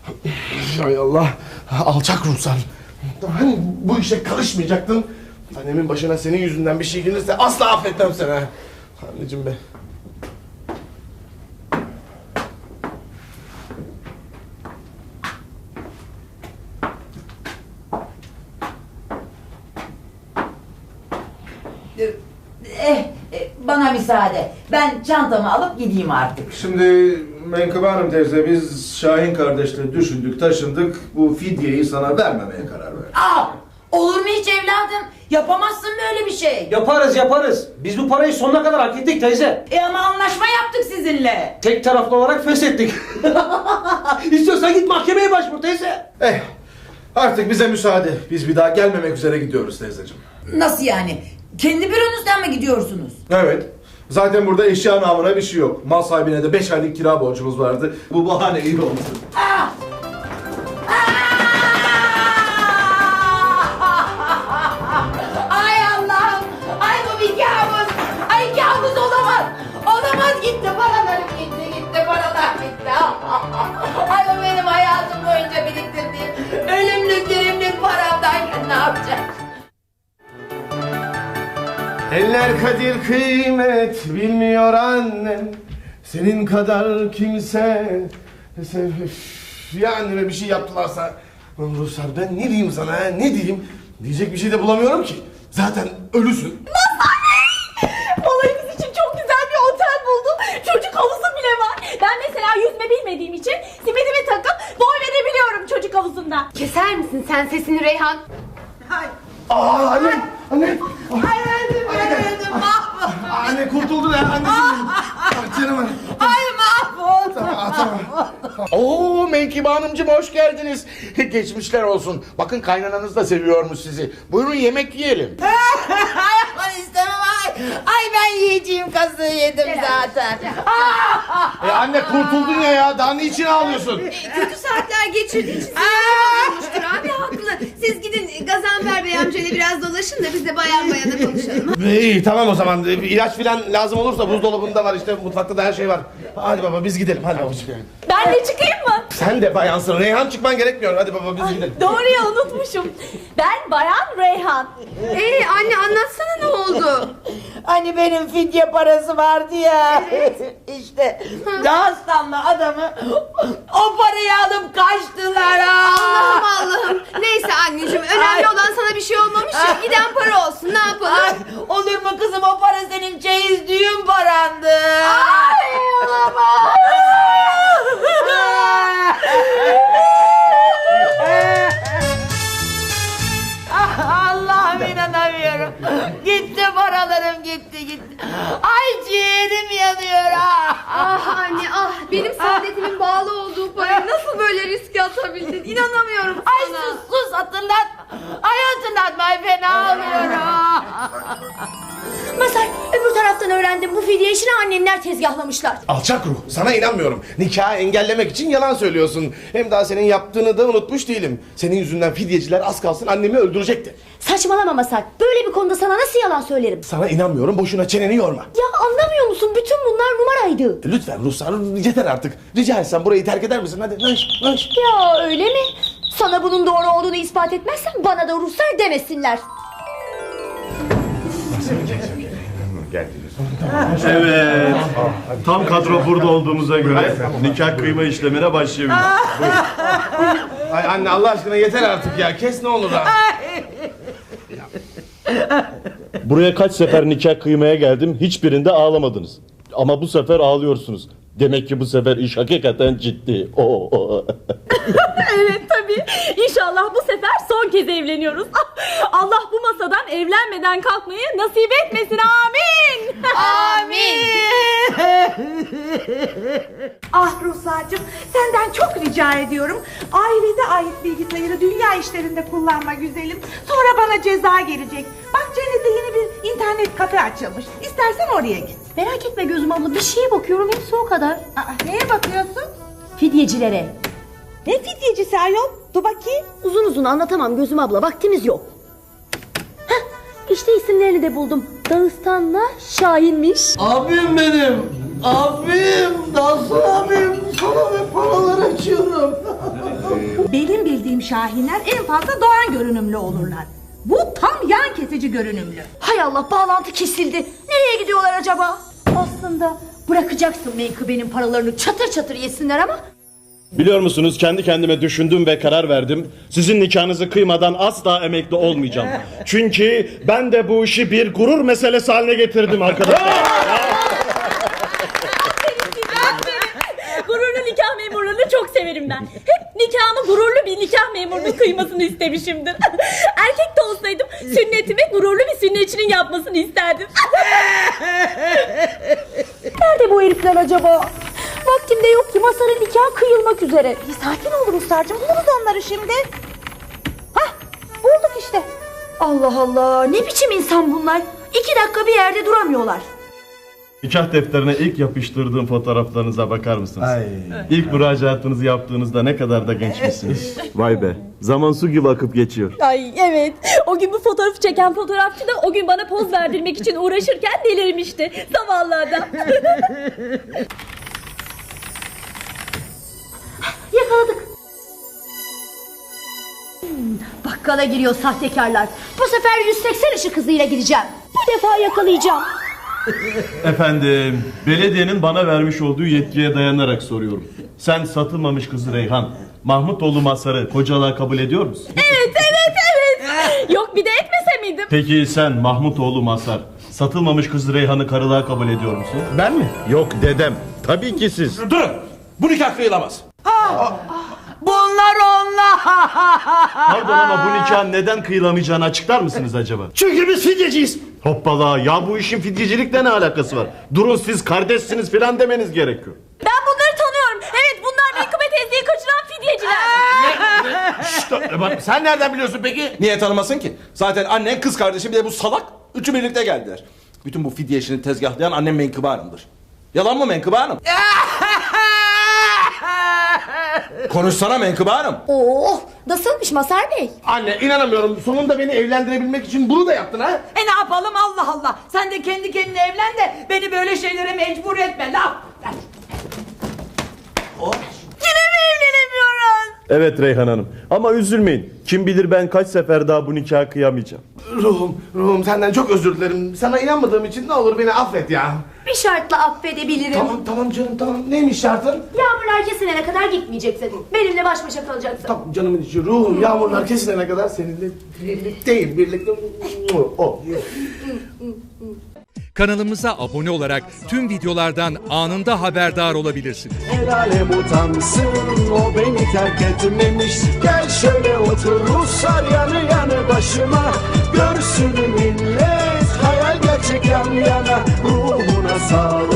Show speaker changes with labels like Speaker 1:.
Speaker 1: Hay Allah. Alçak ruhsar. Hani bu işe karışmayacaktın. Annemin başına senin yüzünden bir şey gelirse asla affetmem seni. Anneciğim be.
Speaker 2: Bana müsaade. Ben çantamı alıp gideyim artık.
Speaker 3: Şimdi Menkıbe Hanım teyze, biz Şahin kardeşle düşündük, taşındık. Bu fidyeyi sana vermemeye karar verdik.
Speaker 2: Olur mu hiç evladım? Yapamazsın böyle bir şey.
Speaker 4: Yaparız. Biz bu parayı sonuna kadar hak ettik teyze.
Speaker 2: Ama anlaşma yaptık sizinle.
Speaker 4: Tek taraflı olarak feshettik. İstiyorsan git mahkemeye başvur teyze.
Speaker 3: Artık bize müsaade. Biz bir daha gelmemek üzere gidiyoruz teyzeciğim.
Speaker 2: Nasıl yani? Kendi büronuzdan mı gidiyorsunuz?
Speaker 3: Evet. Zaten burada eşya namına bir şey yok. Mal sahibine de 5 aylık kira borcumuz vardı. Bu bahane iyi oldu.
Speaker 2: Ay Allah'ım! Ay bu bir kabus! Ay kabus olamaz! Olamaz, gitti paralarım, gitti paralar gitti. Ay bu benim hayatım boyunca biriktirdiğim ölümlük dirimlik paramdayken ne yapacağım?
Speaker 1: Eller kadir kıymet bilmiyor annem. Senin kadar kimse. Ya anneme bir şey yaptılarsa. Ruhsar ben ne diyeyim sana ha? Ne diyeyim? Diyecek bir şey de bulamıyorum ki. Zaten ölüsün.
Speaker 5: Olayımız için çok güzel bir otel buldum. Çocuk havuzu bile var. Ben mesela yüzme bilmediğim için simidimi takıp boy verebiliyorum çocuk havuzunda.
Speaker 6: Keser misin sen sesini Reyhan?
Speaker 1: Annem! Annem!
Speaker 2: Ay öldüm mahvoldum.
Speaker 1: Anne kurtuldu ya anneciğim. Canım anne.
Speaker 2: Ay mahvoldum.
Speaker 1: Tamam. Oo Menkıbe Hanımcığım hoş geldiniz. Geçmişler olsun. Bakın kaynananız da seviyormuş sizi. Buyurun yemek yiyelim.
Speaker 2: Ay aman istemem ay. Ay ben yiyeceğim kazığı yedim zaten.
Speaker 1: Anne kurtuldun ya. Daha niçin ağlıyorsun?
Speaker 6: Kötü saatler geçirdiği için sinirlenmiştir abi, haklı. Siz gidin Gazanfer Bey amcayla biraz dolaşın da biz de bayan bayana konuşalım.
Speaker 1: İyi tamam o zaman. İlaç filan lazım olursa buzdolabında var işte. Mutfakta da her şey var. Hadi baba biz gidelim. Hadi babacığım.
Speaker 5: Ben de çıkayım mı?
Speaker 1: Sen de bayansın. Reyhan çıkman gerekmiyor. Hadi baba biz gidelim.
Speaker 5: Doğru ya, unutmuşum. Ben Bayan Reyhan.
Speaker 6: Anne anlatsana ne oldu?
Speaker 2: Hani benim fidye parası vardı ya. İşte Dağıstanlı adamı o parayı alıp kaçtılar.
Speaker 6: Allah'ım. Neyse anneciğim, önemli olan sana bir şey olmamış ya. Giden para olsun, ne yapalım?
Speaker 2: Ay, olur mu kızım, o para senin çeyiz düğün parandı.
Speaker 5: Ay olamaz.
Speaker 2: Allah'ım inanamıyorum. Gitti paralarım, gitti. Ay ciğerim yanıyor.
Speaker 6: Anne benim saadetimin bağlı olduğu parayı nasıl böyle riske atabildin? İnanamıyorum
Speaker 2: Ay
Speaker 6: sana.
Speaker 2: sus hatırlatma. Ay hatırlatma, ay fena oluyorum.
Speaker 5: Mazhar, öbür taraftan öğrendim, bu fidye işini annenler tezgahlamışlar.
Speaker 1: Alçak ruh. Sana inanmıyorum. Nikahı engellemek için yalan söylüyorsun. Hem daha senin yaptığını da unutmuş değilim. Senin yüzünden fidyeciler az kalsın annemi öldürecekti.
Speaker 5: Saçmalama Mazhar, böyle bir konuda sana nasıl yalan söylerim?
Speaker 1: Sana inanmıyorum. Boşuna çeneni yorma.
Speaker 5: Ya anlamıyor musun, bütün bunlar numaraydı.
Speaker 1: Lütfen Ruhsar yeter artık. Rica etsem burayı terk eder misin? Hadi naş.
Speaker 5: Ya öyle mi? Sana bunun doğru olduğunu ispat etmezsen bana da Ruhsar demesinler.
Speaker 7: Evet. Tam kadro burada olduğumuza göre nikah kıyma işlemine başlayabiliriz.
Speaker 1: Ay anne Allah aşkına yeter artık ya. Kes ne olur ha.
Speaker 7: Buraya kaç sefer nikah kıymaya geldim, hiçbirinde ağlamadınız. Ama bu sefer ağlıyorsunuz. Demek ki bu sefer iş hakikaten ciddi.
Speaker 5: Evet tabii. İnşallah bu sefer son kez evleniyoruz. Allah bu masadan evlenmeden kalkmayı nasip etmesin. Amin.
Speaker 2: Amin.
Speaker 8: Ah Ruhsar'cığım, senden çok rica ediyorum. Ailede ait bilgisayarı dünya işlerinde kullanma güzelim. Sonra bana ceza gelecek. Bak Cennet'te yeni bir internet kafe açılmış. İstersen oraya git.
Speaker 5: Merak etme Gözüm abla, bir şeye bakıyorum, hepsi o kadar.
Speaker 8: Neye bakıyorsun?
Speaker 5: Fidyecilere.
Speaker 8: Ne fidyecisi ayol? Dur bakayım.
Speaker 5: Uzun uzun anlatamam Gözüm abla, vaktimiz yok. Heh, işte isimlerini de buldum. Dağıstan'la Şahin'miş.
Speaker 4: Abim benim. Abim. Nasıl abim? Sana ve paralar açıyorum.
Speaker 8: bizim Şahinler en fazla Doğan görünümlü olurlar. Bu tam yan kesici görünümlü.
Speaker 5: Hay Allah, bağlantı kesildi. Nereye gidiyorlar acaba? Aslında bırakacaksın menkıbenin paralarını çatır çatır yesinler ama...
Speaker 7: Biliyor musunuz, kendi kendime düşündüm ve karar verdim. Sizin nikahınızı kıymadan asla emekli olmayacağım. Çünkü ben de bu işi bir gurur meselesi haline getirdim arkadaşlar.
Speaker 5: Gururlu nikah memurlarını çok severim ben. Hep nikahımı gururlu bir nikah memurunun kıymasını istemişimdir. Erkek de olsaydım sünnetimi gururlu bir sünnetçinin yapmasını isterdim. Nerede bu herifler acaba? Vaktim de yok ki, Masar'ın nikahı kıyılmak üzere.
Speaker 8: Sakin ol Ruslarcığım, buluruz onları şimdi. Hah, bulduk işte.
Speaker 5: Allah Allah, ne biçim insan bunlar? 2 dakika bir yerde duramıyorlar.
Speaker 7: Nikah defterine ilk yapıştırdığım fotoğraflarınıza bakar mısınız? İlk müracaatınızı yaptığınızda ne kadar da gençmişsiniz. Vay be, zaman su gibi akıp geçiyor.
Speaker 5: Ay evet, o gün bu fotoğrafı çeken fotoğrafçı da o gün bana poz verdirmek için uğraşırken delirmişti. Zavallı adam. Yakaladık. Bakkala giriyor sahtekarlar. Bu sefer 180 ışık hızıyla gideceğim. Bu defa yakalayacağım.
Speaker 7: Efendim, belediyenin bana vermiş olduğu yetkiye dayanarak soruyorum. Sen satılmamış kızı Reyhan, Mahmutoğlu Masar'ı kocalığa kabul ediyor musun?
Speaker 5: Evet. Yok, bir de etmese miydim?
Speaker 7: Peki sen Mahmutoğlu Masar, satılmamış kızı Reyhan'ı karılığa kabul ediyor musun?
Speaker 1: Ben mi?
Speaker 7: Yok dedem, tabii ki siz.
Speaker 4: Durun. Bu nikah kıyılamaz.
Speaker 2: Bunlar onlar.
Speaker 7: Pardon ama bu nikahın neden kıyılamayacağını açıklar mısınız acaba?
Speaker 4: Çünkü biz fidyeciyiz.
Speaker 7: Hoppala, ya bu işin fidyecilikle ne alakası var? Durun, siz kardeşsiniz filan demeniz gerekiyor.
Speaker 5: Ben bunları tanıyorum. Evet, bunlar Menkıbe teyzeyi kaçıran fidyeciler.
Speaker 1: Sen nereden biliyorsun peki?
Speaker 4: Niye tanımasın ki? Zaten annen, kız kardeşim bir de bu salak. Üçü birlikte geldiler. Bütün bu fidye işini tezgahlayan annem Menkıbe Hanım'dır. Yalan mı Menkıbe Hanım? Konuşsana Menkıbe Hanım.
Speaker 5: Oh, nasılmış Masar Bey?
Speaker 1: Anne, inanamıyorum. Sonunda beni evlendirebilmek için bunu da yaptın ha?
Speaker 2: Ne yapalım, Allah Allah. Sen de kendi kendine evlen de beni böyle şeylere mecbur etme. Laf. Yine mi evlenemiyoruz?
Speaker 7: Evet Reyhan Hanım, ama üzülmeyin. Kim bilir ben kaç sefer daha bu nikahı kıyamayacağım.
Speaker 1: Ruhum senden çok özür dilerim. Sana inanmadığım için ne olur beni affet ya.
Speaker 5: Bir şartla affedebilirim.
Speaker 1: Tamam canım, tamam. Neymiş şartın?
Speaker 5: Yağmurlar kesilene kadar gitmeyeceksin. Benimle baş başa kalacaksın.
Speaker 1: Tamam canımın içi, ruhum yağmurlar kesilene kadar seninle birlikte.
Speaker 9: Kanalımıza abone olarak tüm videolardan anında haberdar olabilirsiniz.
Speaker 10: El alem utansın, o beni terk etmemiş. Gel şöyle otur Ruslar yanı yanı başıma. Görsün millet, hayal gerçek yan yana. Ruhuna sağlık.